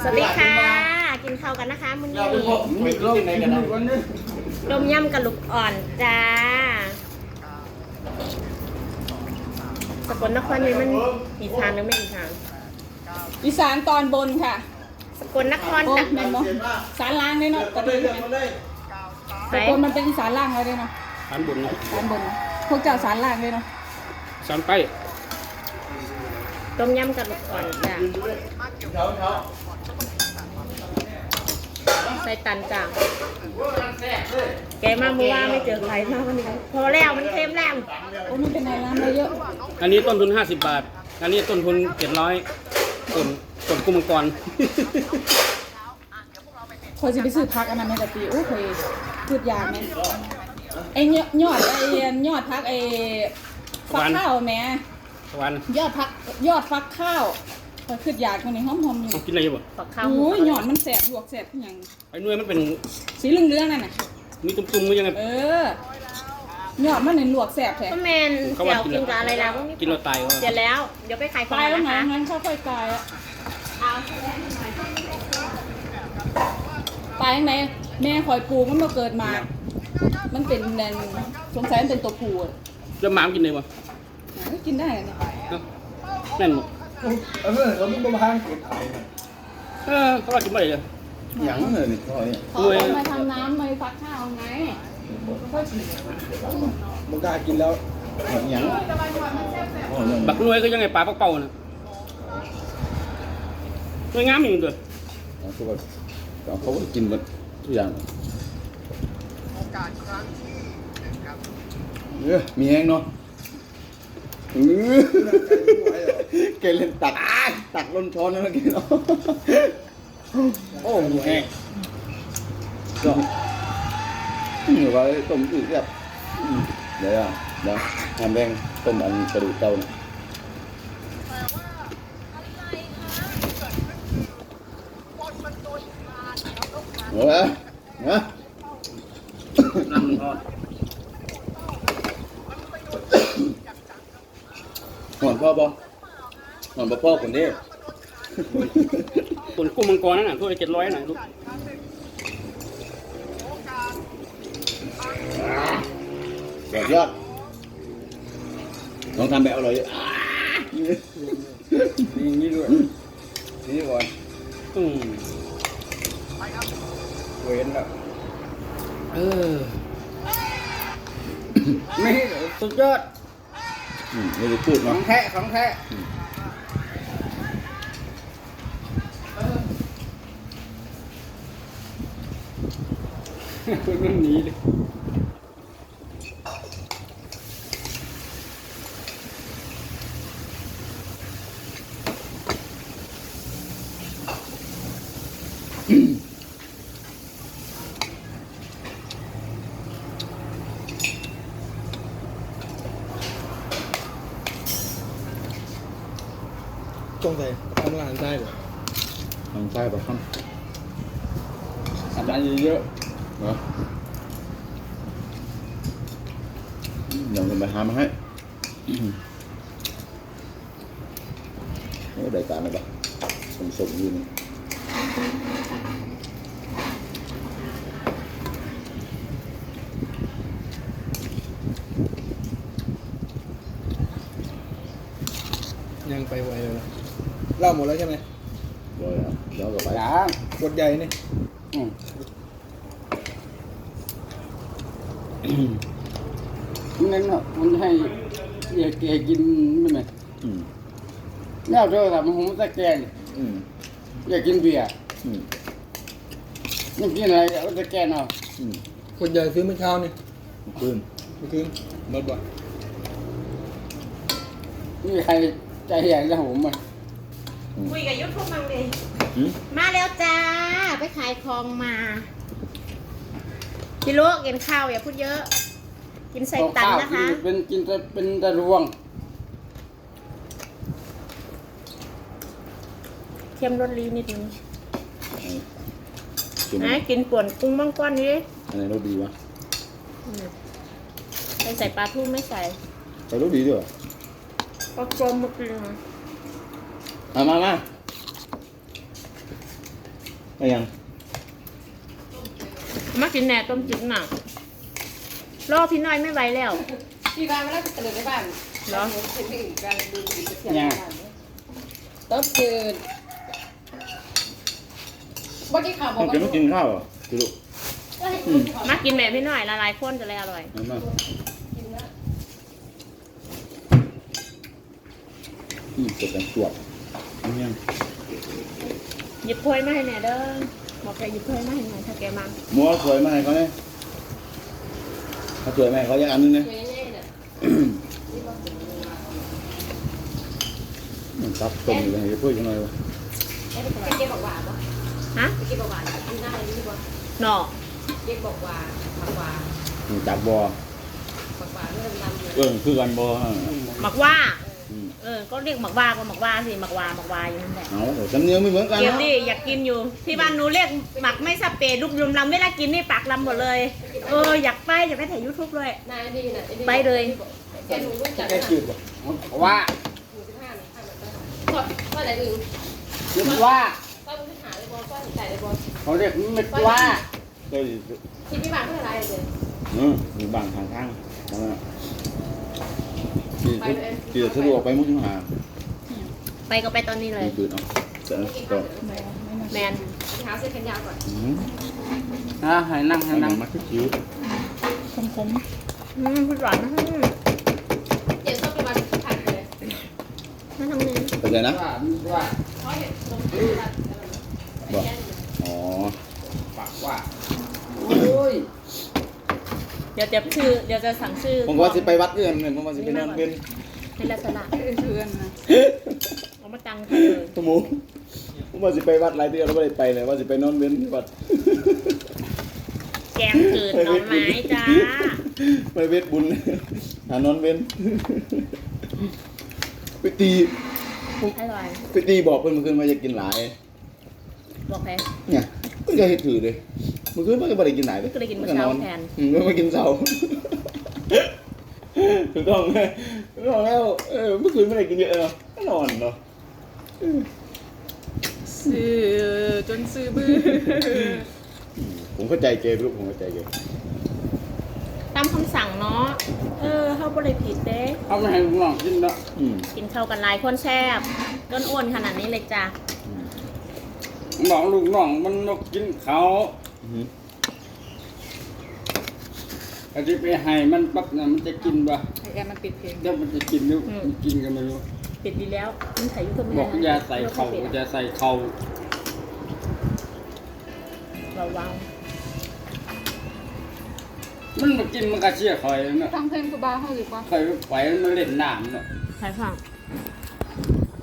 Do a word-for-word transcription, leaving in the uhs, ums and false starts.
สวัสดีค่ะกินข้าวกันนะคะมื้อนี้ต้มยำกระลูกอ่อนจ้าสกลนครนี่มันอีสานหรือไม่อีสานอีสานตอนบนค่ะสกลนครโอ้จ้ะแม่นบ่สารล่างเลยเนาะตะลึงสกลมันเป็นอีสานล่างเลยเนาะสารบนนะสารบนพวกเจ้าสารล่างเลยเนาะสารใต้ต้มยำกระลูกอ่อนจ้าใส่ตันจ้าแกมาเมื่อวานไม่เจอใครมากวันนี้พอแล้วมันเค็มแล้วโอ้มันเป็นอะไรน้ำมาเยอะอันนี้ต้นทุนห้าสิบบาทอันนี้ต้นทุนเจ็ดร้อยต้นต้นกุ้งมังกรคอยจะไปซื้อพักอันนั้นในกะปิโอ้เคยพืชยางไหมไอ้ยอดไอ้ยอดพักไอ้ฟักข้าวแม่ตะวันยอดพักยอดฟักข้าวคอยพืชยางมันนี่หอมๆอยู่ต้องกินอะไรอยู่บ่ฝักข้าวโอ้ยยอดมันแสบลวกแสบอย่างไอ้หน่วยมันเป็นสีเหลืองๆนั่นน่ะมีตุ่มๆมันยังไงเออยอดมันนี่ลวกแสบแท้ก็แมนเจียวกินกับอะไรแล้วกินเราตายเสร็จแล้วเดี๋ยวไปขายของตายแล้วนะไงคะงั้นเขาค่อยตายอะตายยังไงแม่คอยปลูกมันมาเกิดมา มันเป็นแนนสงสัยมันเป็นตัวผู้อะแล้วหมากินอะไรบ่กินได้อะเนี่ยแม่นบ่เออเราไม่มาทางเก็บขายเออเขาว่ากินอะไรเลยหยังเลยนี่เขาเนี่ยเขาเอามาทำน้ำมาฟักข้าวไงมันกล้ากินแล้วหยังบักหน่วยก็ยังไงปลาเป่าๆนะหน่วยงามอยู่ตัวคือแบบเขาก็กินหมดทุกอย่างเออมีแห้งเนาะเออเกล่นตักตักล้นช้อนแล้วเมื่อกี้เนาะโอ้มีแห้งก็เหนือว่าต้มอืดแบบเดี๋ยวเดี๋ยวทำแดงต้มอันกระดูกเต้าเนี่ยเออเนาะน้ำมันทอดหอนพ่อบ่หอนพ่อพ่อคนนี้ต้นกุ้งมังกรนั่นน่ะถ้วยเจ็ดร้อยน่ะลูกยอดยอดลองทำแบบอร่อยนี่นี่ด้วยนี่ก่อนอืมเว้นแล้วเออไม่สุดยอดอืมไม่ได้พูดขอเนาะงแท้ของแท้มันหนีเลยจงใจทำงานได้เหรอทางใต้ปะครับทำร้านเยอะเนาะเดี๋ยวจะไปหามาให้โอ้ได้การเลยปะสมสมอยู่นี่ยังไปไวเลยนะเล่าหมดแล้วใช่ไหมเดี๋ยวเดี๋ยวก็ไปๆอย่างกดใหญ่นี่อืมนั่นเนาะมันให้อยากแกกินไม่ไหมอืมแล้วเธอทำผมตะแกงอืมอยากกินเบียร์อืมยังกินอะไรเอาตะแกงเอาอืมกดใหญ่ซื้อเมื่อเช้านี่ปืนเมื่อคืนรถบ่อยไม่มีใครใจใหญ่แล้วผมอ่ะคุยกับยุทธพวกมังเลยอืมมาแล้วจ้าไปขายของมาพี่ลูกกินข้าวอย่าพูดเยอะ กินใส่ตันนะคะเป็นกินแต่เป็นแต่รวงเค็มรสลีนิดนึงจุ่มนะกินป่วนกุ้งมังกรนี่อันไหนรสดีวะไม่ใส่ปลาทูไม่ใส่แต่รสดีด้วยปลากรมมากินมามามาก็ยังมากินแหน่ต้มจืดหนักรอพี่น้อยไม่ไหวแล้วที่บ้านเวลาตื่นในบ้านเหรอเป็นที่อื่นการดูดีเสียงบ้านต้มจืดเมื่อกี้ข่าวบอผกมว่าจะไม่กินข้าวเหรอพี่ลูกมากินแบบพี่น้อยละลายข้นจะเลยอร่อยเอามาอืมเกิดกันตรวจเอายังหยิบถ้วยมาให้แหน่เด้อบอกแกหยิบถ้วยมาให้หน่อยถ้าแกมามัวสวยมาให้เขาเนี่ยเขาสวยไหมาให้เขาอยากอันนึงเนี่ย ตับต้มอยู่เลยจะพูดยังไงวะเก็บบอกว่าปะฮะเก็บบอกว่าที่หน้าอะไรนี่ปะหน่อเก็บบอกว่าผักว่าจากบอผักว่าเริ่มดำเลยเออคือกันบอหมักว่าอืมเออก็เรียกหมักว่าก็หมักว่าสิหมักว่าหมักว่าอยู่นั่นแหละเอาสำเนียงไม่เหมือนกันเกี๊ยวนะดิอยากกินอยู่ที่บ้านหนูเรียกหมักไม่สเปรย์ลูกยุมลำเวลากินนี่ปากลำหมดเลยเอออยากไปอยากไปถ่ายยูทูบเลยนายดีน่ะไปเลยแกหนูรู้จักแค่จืดป่ะว่าหนูสิบห้าหนูห้าแบบนั้นว่าอะไรอื่นคิดว่าว่ามึงหาเลยบอลว่าใจเลยบอลเขาเรียกเม็ดว่าเคยที่พี่บ้านเพื่ออะไรเลยเออมีบางทางทางที่ที่สะดวกไปมุกหาไปก็ไปตอนนี้เลยจืดเอาแต่ก็แมนหาเสื้อแขนยาวก่อนอืมฮะให้นั่งให้ให้หนันั่งงมาคิ้วคมคมอืมพูดหวานนะอืมเดี๋ยวต้องไปวันผัดเลยนั่นทำนี้เข้าใจนะว่าว่าเพราะเห็นตรงบอกอ๋อปากว่าโอ้ยเดี๋ยวจะชื่อเดี๋ยวจะสั่งชื่อผมว่าสิไปวัดเอื้อนเนี่ยผมว่าสิไปนอนเป็นในลักษณะเพื่อนนะเอามาตังค่ะเลยสมูผมว่าสิไปวัดหลายเดือนแล้วไม่ได้ไปเลยว่าสิไปนอนเป็นที่วัดแกงจืดหน่อไม้จ้าไปเวทบุญหานอนเว้นไปตีอร่อยไปตีบอกเพื่อนเมื่อคืนว่าจะกินหลายบอกใครเนี่ยก็จะให้ถือเลยเมื่อคืนมันก็ไม่ได้กินหลายเลยก็เลยกินมื้อเช้าแทนอืมก็มากินเช้าถูกต้องไหมถูกต้องแล้วเออเมื่อคืนไม่ได้กินเยอะเนาะก็นอนเนาะซื้อจนซื้อบื้อผมเข้าใจเกย์ลูกผมเข้าใจเกย์ตามคำสั่งเนาะเออเข้าบริผิดเด้เขาไม่ให้ลูกน้องกินเนาะอืมกินข้าวกันหลายคนแซ่บต้นอ้วนขนาดนี้เลยจ้าบอกลูกน้องมันนกกินเขาอืมอาจจะไปให้มันปั๊บเนี่ยมันจะกินป่ะไอแอมมันปิดเพลงเดี๋ยวมันจะกินหรือมันกินกันไม่รู้ปิดดีแล้วมันถ่ายยูทูบไม่บได้อกนะอย่าใส่เข่าอย่าใส่เข่าระวังมันมากินมันก็เชี่ยคอยเนาะฟังเพลงกูบ้าเขาหรือว่าคอยไปมันเล่นน้ำเนาะใครฟัง